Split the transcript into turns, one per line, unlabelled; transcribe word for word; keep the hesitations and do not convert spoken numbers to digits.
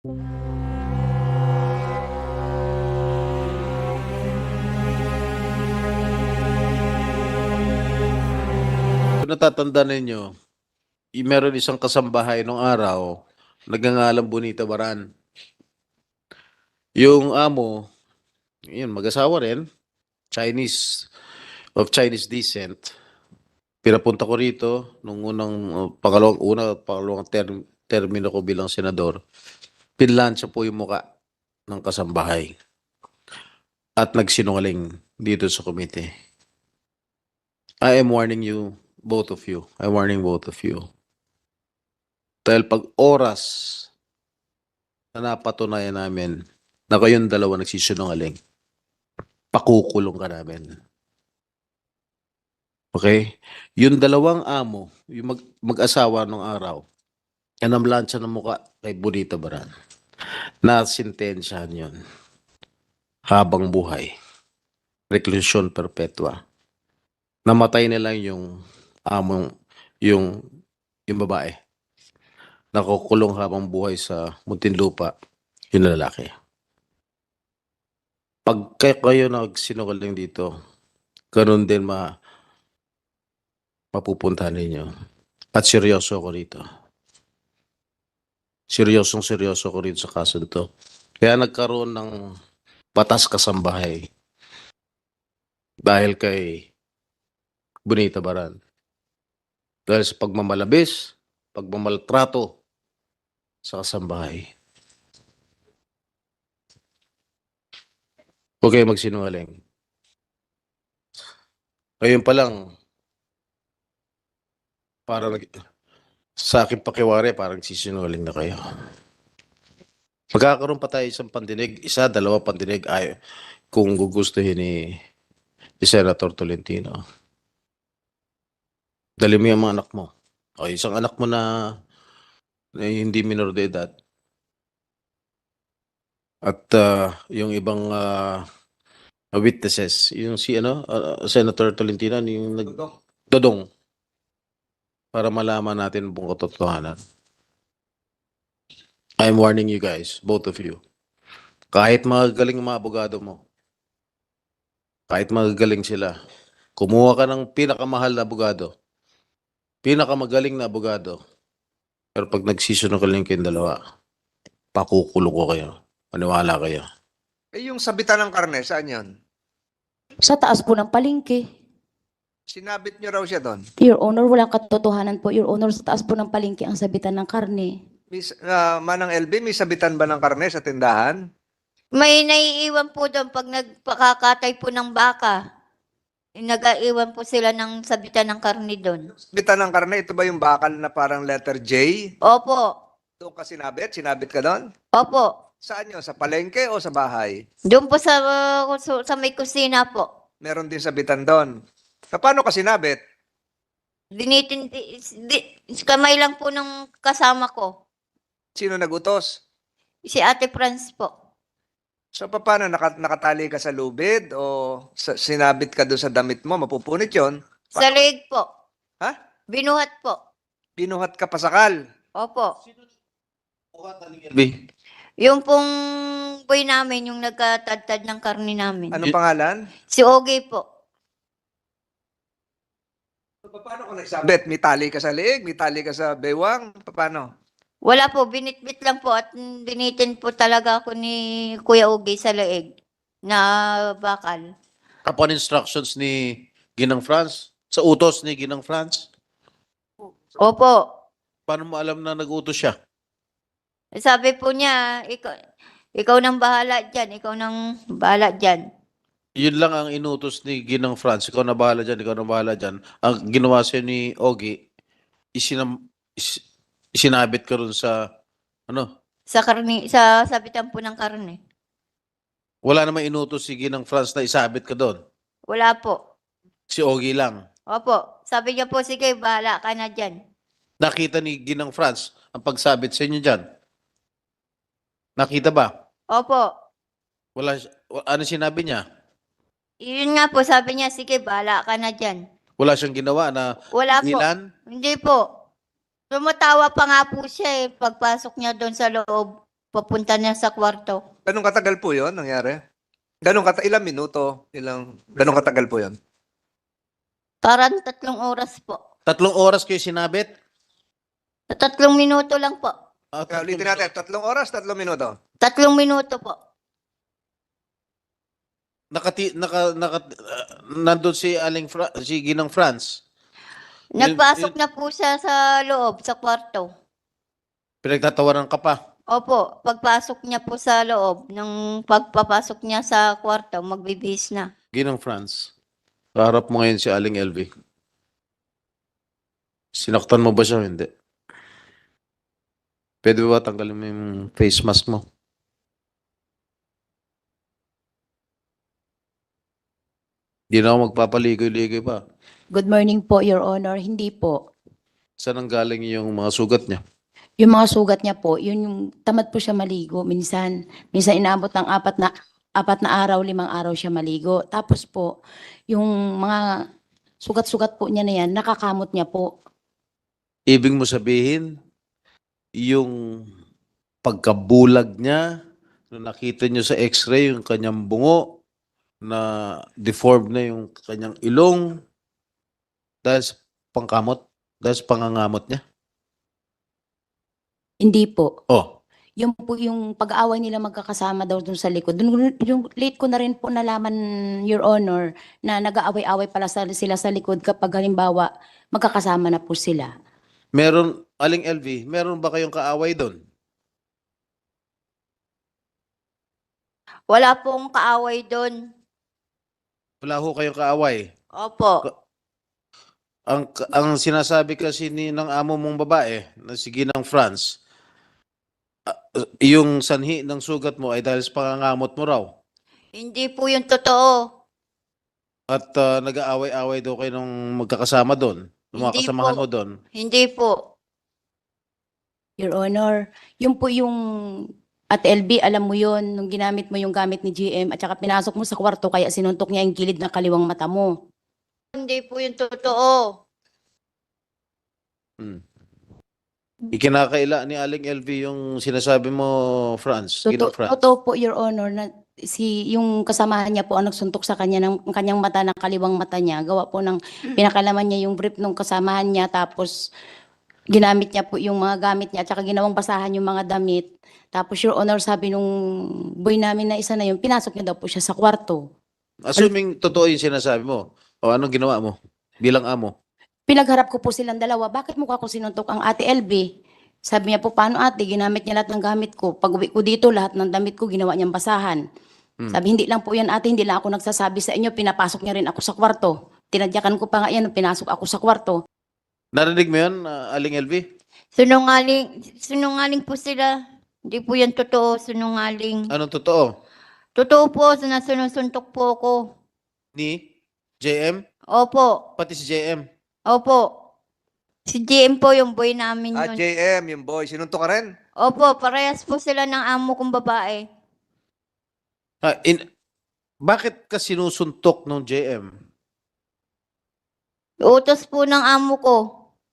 Kung natatandaan ninyo, y- meron isang kasambahay nung araw, nagngangalang Bonita Baran. Yung amo, yun, mag-asawa rin, Chinese, of Chinese descent. Pinapunta ko rito nung unang, uh, pangalawang, una, pangalawang term, termino ko bilang senador. Pinlansya po yung muka ng kasambahay. At nagsinungaling dito sa komite. I am warning you, both of you. I'm warning both of you. Dahil pag oras na napatunayan namin na kayong dalawa nagsisinungaling, pakukulong ka namin. Okay? Yung dalawang amo, yung mag, mag-asawa nung araw, anamlansya ng muka kay Bonita Baran. Nasintensyahan yun. Habang buhay. Reclusion perpetua. Namatay na lang yung among, yung, yung babae. Nakukulong habang buhay sa Muntinlupa, yung lalaki. Pag kayo nagsinungaling dito, ganun din ma mapupuntahan ninyo. At seryoso ko rito. Seryosong seryoso ko rito sa kaso nito. Kaya nagkaroon ng batas kasambahay dahil kay Bonita Baran. Dahil sa pagmamalabis, pagmamaltrato sa kasambahay. Huwag kayo magsinungaling. Ngayon pa lang, parang sa akin pakiwari, parang sisinungaling na kayo. Magkakaroon pa tayo isang pandinig, isa, dalawa pandinig, ay, kung gugustuhin ni, ni Senator Tolentino. Dali mo yung mga anak mo. O isang anak mo na, na hindi minor de edad. At uh, yung ibang uh, witnesses, yung si ano, uh, Senator Tolentino, yung nag dodong para malaman natin buong katotohanan. I'm warning you guys, both of you. Kahit magagaling mga abogado mo, kahit magagaling sila, kumuha ka ng pinakamahal na abogado, pinakamagaling na abogado, pero pag nagsisinungaling kayong dalawa, pakukulo ko kayo. Maniwala kayo.
Eh, yung sabitan ng karne, saan yun?
Sa taas po ng palengke.
Sinabit nyo raw siya doon.
Your Honor, walang katotohanan po. Your Honor, sa taas po ng palengke ang sabitan ng karne.
Miss, uh, Manang L B, may sabitan ba ng karne sa tindahan?
May naiiwan po doon pag nagpakakatay po ng baka. Nag-aiwan po sila ng sabitan ng karne doon.
Sabitan ng karne, ito ba yung bakal na parang letter J?
Opo.
Doon ka sinabit? Sinabit ka doon?
Opo.
Saan yun? Sa palengke o sa bahay?
Doon po sa, uh, sa may kusina po.
Meron din sabitan doon. Paano ka sinabit?
Dinitin, di, di, kamay lang po ng kasama ko.
Sino nagutos?
Si Ate Franz po.
So paano? Naka, nakatali ka sa lubid o sa, sinabit ka doon sa damit mo? Mapupunit yon.
Sa leeg po.
Ha?
Binuhat po.
Binuhat ka pasakal.
Opo.
B.
Yung pong boy namin, yung nagkatadtad ng karne namin.
Anong pangalan?
Si Ogie po.
So, paano ka nagsabit? May tali ka sa leeg? May tali ka sa bewang? Paano?
Wala po, binitbit lang po at binitin po talaga ako ni Kuya Ogie sa leeg na bakal.
Upon instructions ni Ginang Franz, sa utos ni Ginang Franz,
Opo.
paano mo alam na nag-utos siya?
Sabi po niya, ikaw, ikaw nang bahala dyan, ikaw nang bahala dyan.
Yun lang ang inutos ni Ginang Franz. Ikaw na bahala dyan, ikaw na bahala dyan. Ang ginawa sa'yo ni Ogie, isinam, is, isinabit ka rin sa, ano,
Sa karne, sa sabitan po ng karne.
wala namang inutos si Ginang Franz na isabit ka doon.
Wala po.
Si Ogie lang.
Opo. Sabi niya po, sige, bahala ka na dyan.
Nakita ni Ginang Franz ang pagsabit sa inyo dyan. Nakita ba?
Opo.
Wala, ano sinabi niya?
Yun nga po, sabi niya, sige, bahala ka na dyan.
Wala siyang ginawa na
Wala po.
nilan?
Hindi po. Tumatawa pa nga po siya eh, pagpasok niya doon sa loob. papunta niya sa kwarto.
Ganong katagal po yon nangyari? Ganong kata ilang minuto? Ilang, ganong katagal po yon?
Parang tatlong oras po.
Tatlong oras kayo sinabit?
Sa tatlong minuto lang po.
Ah,
Kaya
tatlong-
ulitin natin, tatlong oras, tatlong minuto.
Tatlong minuto po.
Nakati, naka, naka, ah, nandun si Aling Fra, si Ginang France. Yun-
Nagpasok
yun-
na po siya sa loob, sa kwarto.
Pinagtatawanan ka pa.
Opo, pagpasok niya po sa loob, nung pagpapasok niya sa kwarto, magbibihis na.
Ginang France. Kaharap mo ngayon si Aling L V. Sinaktan mo ba siya? o Hindi. Pwede ba tanggalin mo yung face mask mo? Hindi na ako magpapaligoy-ligoy pa.
Good morning po, Your Honor. Hindi po.
Saan ang galing yung mga sugat niya?
Yung mga sugat niya po, yun yung tamad po siya maligo. Minsan, minsan inaabot ng apat na apat na araw, limang araw siya maligo. Tapos po, yung mga sugat-sugat po niya na yan, nakakamot niya po.
Ibig mo sabihin, yung pagkabulag niya, nung nakita niyo sa x-ray, yung kanyang bungo, na deformed na yung kanyang ilong, dahil sa pangkamot, dahil sa pangangamot niya.
Hindi po.
Oh,
Yung po yung pag-aaway nila magkakasama daw dun sa likod. Dun, yung late ko na rin po nalaman, Your Honor, na nag-aaway-aaway pala sa- sila sa likod kapag halimbawa magkakasama na po sila.
meron, Aling L V, meron ba kayong kaaway doon?
Wala pong kaaway doon.
Wala ho kayong kaaway.
Opo.
Ang ang sinasabi kasi ni ng amo mong babae na si Ginang France, ah, yung sanhi ng sugat mo ay dahil sa pangangamot mo raw.
Hindi po yung totoo.
At ah, nag-aaway-away daw kayo nung magkakasama doon. Yung mga
Hindi
kasamahan
po.
mo doon.
Hindi po.
Your Honor, yun po yung at L B, alam mo yun, nung ginamit mo yung gamit ni G M at saka pinasok mo sa kwarto kaya sinuntok niya yung gilid ng kaliwang mata mo.
Hindi po yung totoo.
Hmm. Ikinakaila ni Aling L V yung sinasabi mo, France. Ginang
Totoo,
France.
totoo po, Your Honor, na si yung kasamahan niya po ang nagsuntok sa kanya ng ng kanyang mata, ng kaliwang mata niya. Gawa po ng pinakalaman niya yung brief ng kasamahan niya, tapos ginamit niya po yung mga gamit niya at saka ginawang basahan yung mga damit. Tapos, Your Honor, sabi nung boy namin na isa na yun, pinasok niya daw po siya sa kwarto.
Assuming totoo yung sinasabi mo, o anong ginawa mo bilang amo?
Pinagharap ko po silang dalawa, bakit mukha ko sinuntok ang ate L B? Sabi niya po, paano ate, ginamit niya lahat ng gamit ko. Pag uwi ko dito, lahat ng damit ko ginawa niyang basahan.
Hmm.
Sabi, hindi lang po yan ate, hindi lang ako nagsasabi sa inyo, pinapasok niya rin ako sa kwarto. Tinadyakan ko pa nga yan, pinasok ako sa kwarto.
Narinig mo yun, ah, Aling L V?
Sinungaling, sinungaling po sila. Hindi po yan totoo, sinungaling.
Anong totoo?
Totoo po, na sinusuntok po ako.
Ni J M?
Opo,
Pati si J M?
opo. Si G M po yung boy namin
Ah,
yun.
J M, yung boy, sinuntok ka rin?
Opo, parehas po sila ng amo kong babae.
Ah, in, bakit ka sinusuntok ng J M?
Utos po ng amo ko.